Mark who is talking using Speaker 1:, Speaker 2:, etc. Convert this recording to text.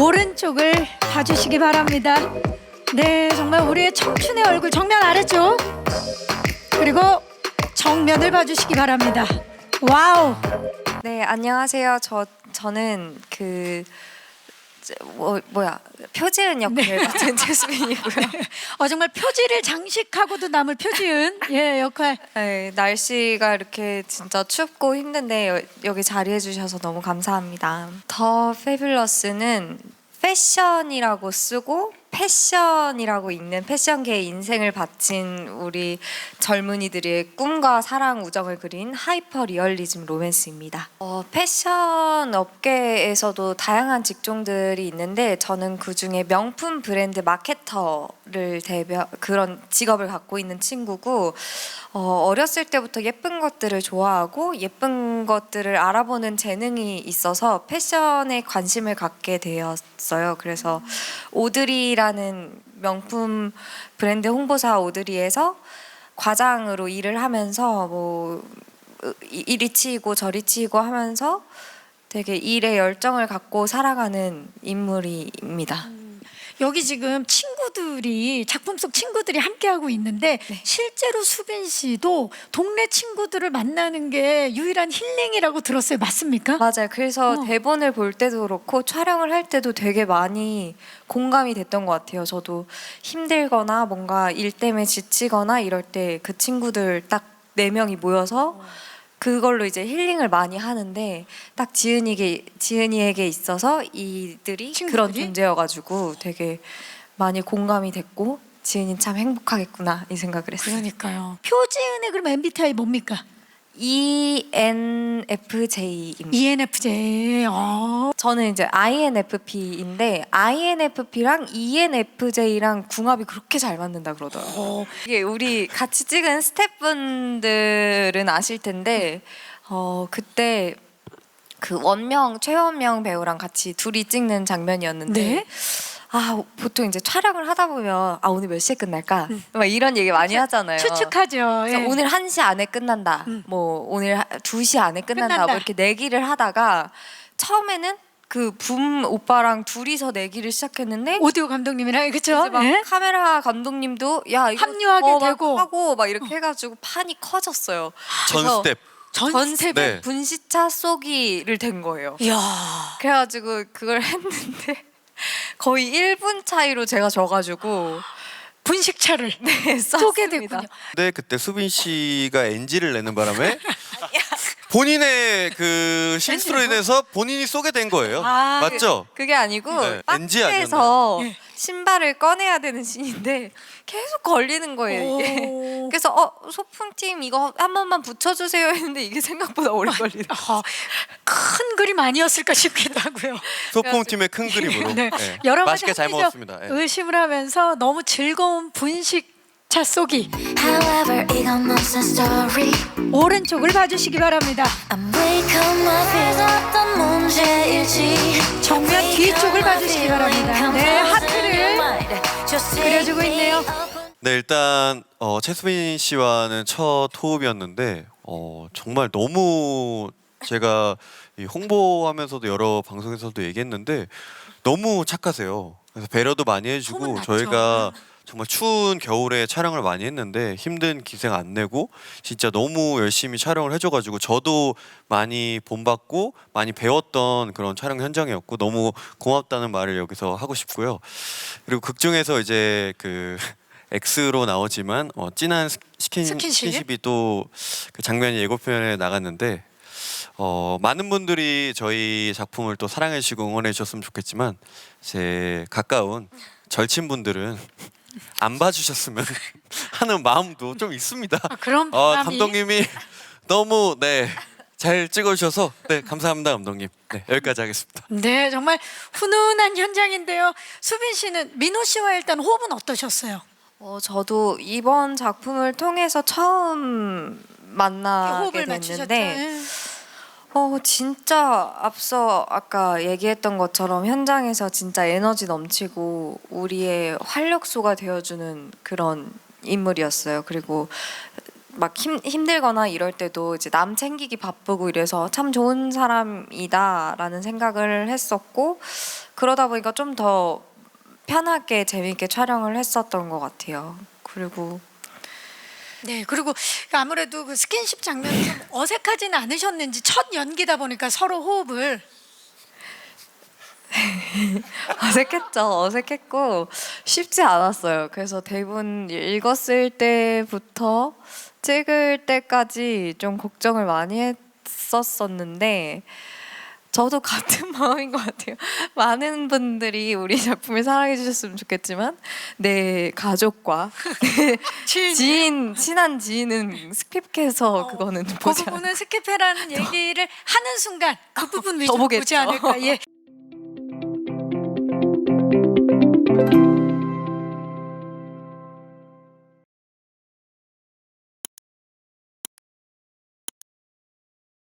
Speaker 1: 오른쪽을 봐주시기 바랍니다. 네, 정말 우리의 청춘의 얼굴 정면 아래쪽 그리고 정면을 봐주시기 바랍니다. 와우.
Speaker 2: 네, 안녕하세요. 저는 표지은 역할 맡은 최수빈이고요.
Speaker 1: 정말 표지를 장식하고도 남을 표지은 역할.
Speaker 2: 네, 날씨가 이렇게 진짜 춥고 힘든데 여기 자리해 주셔서 너무 감사합니다. 더 페뷸러스는 패션이라고 쓰고 패션이라고 읽는 패션계의 인생을 바친 우리 젊은이들의 꿈과 사랑 우정을 그린 하이퍼 리얼리즘 로맨스입니다. 패션 업계에서도 다양한 직종들이 있는데 저는 그중에 명품 브랜드 마케터를 그런 직업을 갖고 있는 친구고 어렸을 때부터 예쁜 것들을 좋아하고 예쁜 것들을 알아보는 재능이 있어서 패션에 관심을 갖게 되었어요. 그래서 오드리라는 명품 브랜드 홍보사 오드리에서 과장으로 일을 하면서 뭐 이리 치이고 저리 치이고 하면서 되게 일에 열정을 갖고 살아가는 인물입니다.
Speaker 1: 여기 지금 친구들이 작품 속 친구들이 함께하고 있는데
Speaker 2: 네.
Speaker 1: 실제로 수빈 씨도 동네 친구들을 만나는 게 유일한 힐링이라고 들었어요. 맞습니까?
Speaker 2: 맞아요. 그래서 대본을 볼 때도 그렇고 촬영을 할 때도 되게 많이 공감이 됐던 것 같아요. 저도 힘들거나 뭔가 일 때문에 지치거나 이럴 때 그 친구들 딱 4명이 모여서 그걸로 이제 힐링을 많이 하는데 딱 지은이에게 있어서 이들이
Speaker 1: 친구들이?
Speaker 2: 그런 존재여가지고 되게 많이 공감이 됐고 지은이 참 행복하겠구나 이 생각을 했어요.
Speaker 1: 그러니까요. 표지은의 그럼 MBTI 뭡니까?
Speaker 2: ENFJ입니다.
Speaker 1: ENFJ.
Speaker 2: 저는 이제 INFP인데 INFP랑 ENFJ랑 궁합이 그렇게 잘 맞는다 그러더라고요. 이게 우리 같이 찍은 스태프분들은 아실 텐데 그때 그 최원명 배우랑 같이 둘이 찍는 장면이었는데
Speaker 1: 네?
Speaker 2: 보통 이제 촬영을 하다 보면 오늘 몇 시에 끝날까? 막 이런 얘기 많이 하잖아요.
Speaker 1: 추측하죠.
Speaker 2: 그래서 오늘 1시 안에 끝난다. 뭐 오늘 2시 안에 끝난다. 뭐 이렇게 내기를 하다가 처음에는 그 붐 오빠랑 둘이서 내기를 시작했는데
Speaker 1: 오디오 감독님이랑 그렇죠?
Speaker 2: 이제 막 카메라 감독님도 야 이거
Speaker 1: 합류하게
Speaker 2: 막
Speaker 1: 되고
Speaker 2: 하고 막 이렇게 해가지고 판이 커졌어요.
Speaker 3: 전
Speaker 2: 그래서
Speaker 3: 스텝.
Speaker 2: 전 스텝
Speaker 3: 네.
Speaker 2: 분시차 쏘기를 된 거예요.
Speaker 1: 이야.
Speaker 2: 그래가지고 그걸 했는데 거의 1분 차이로 제가 져가지고
Speaker 1: 분식차를 쏘게
Speaker 2: 쏘게
Speaker 1: 됐군요.
Speaker 3: 근데 그때 수빈 씨가 NG를 내는 바람에 본인의 그 실수로 인해서 본인이 쏘게 된 거예요. 맞죠?
Speaker 2: 그게 아니고
Speaker 3: 네, NG
Speaker 2: 박스에서
Speaker 1: 아니었나요?
Speaker 2: 신발을 꺼내야 되는 씬인데 계속 걸리는 거예요 이게.
Speaker 1: 오.
Speaker 2: 그래서 소품팀 이거 한 번만 붙여주세요 했는데 이게 생각보다 오래 걸리는 거예요.
Speaker 1: 큰 그림 아니었을까 싶기도 하고요.
Speaker 3: 소품팀의 큰 그림으로.
Speaker 1: 네.
Speaker 3: 네.
Speaker 1: 여러 가지
Speaker 3: 맛있게 잘
Speaker 1: 합리적
Speaker 3: 먹었습니다. 네.
Speaker 1: 의심을 하면서 너무 즐거운 분식차 쏘기.
Speaker 4: However, 이건 무슨 story?
Speaker 1: 오른쪽을 봐주시기 바랍니다.
Speaker 4: I'm wake up my fears 어떤 문제일지
Speaker 1: 정면 뒤쪽을 봐주시기 바랍니다. 네, 하트를 그려주고 있네요.
Speaker 3: 네, 일단 최수빈 씨와는 첫 호흡이었는데 정말 너무 제가 이 홍보하면서도 여러 방송에서도 얘기했는데 너무 착하세요. 그래서 배려도 많이 해주고
Speaker 1: 소문났죠.
Speaker 3: 저희가 정말 추운 겨울에 촬영을 많이 했는데 힘든 기생 안 내고 진짜 너무 열심히 촬영을 해줘가지고 저도 많이 본받고 많이 배웠던 그런 촬영 현장이었고 너무 고맙다는 말을 여기서 하고 싶고요. 그리고 극 중에서 이제 그 X로 나오지만 진한 스킨십이 또 그 장면이 예고편에 나갔는데 많은 분들이 저희 작품을 또 사랑해 주시고 응원해 주셨으면 좋겠지만 제 가까운 절친분들은 안 봐주셨으면 하는 마음도 좀 있습니다.
Speaker 1: 그런 부담이
Speaker 3: 감독님이 너무 잘 찍어주셔서 감사합니다 감독님. 네, 여기까지 하겠습니다.
Speaker 1: 네, 정말 훈훈한 현장인데요. 수빈 씨는 민호 씨와 일단 호흡은 어떠셨어요?
Speaker 2: 저도 이번 작품을 통해서 처음 만나게
Speaker 1: 호흡을 맞추셨죠?
Speaker 2: 됐는데 진짜 앞서 아까 얘기했던 것처럼 현장에서 진짜 에너지 넘치고 우리의 활력소가 되어주는 그런 인물이었어요. 그리고 막 힘들거나 이럴 때도 이제 남 챙기기 바쁘고 이래서 참 좋은 사람이다라는 생각을 했었고 그러다 보니까 좀 더 편하게 재미있게 촬영을 했었던 것 같아요. 그리고
Speaker 1: 네, 그리고 아무래도 그 스킨십 장면이 좀 어색하지는 않으셨는지 첫 연기다 보니까 서로 호흡을
Speaker 2: 어색했고 쉽지 않았어요. 그래서 대본 읽었을 때부터 찍을 때까지 좀 걱정을 많이 했었었는데 저도 같은 마음인 것 같아요. 많은 분들이 우리 작품을 사랑해 주셨으면 좋겠지만 내 가족과 친한 지인은 스킵해서 그거는
Speaker 1: 그
Speaker 2: 보지
Speaker 1: 부분은 스킵해라는 얘기를 하는 순간 그 부분 위주로
Speaker 2: 더 보겠죠.
Speaker 1: 보지 않을까. 예.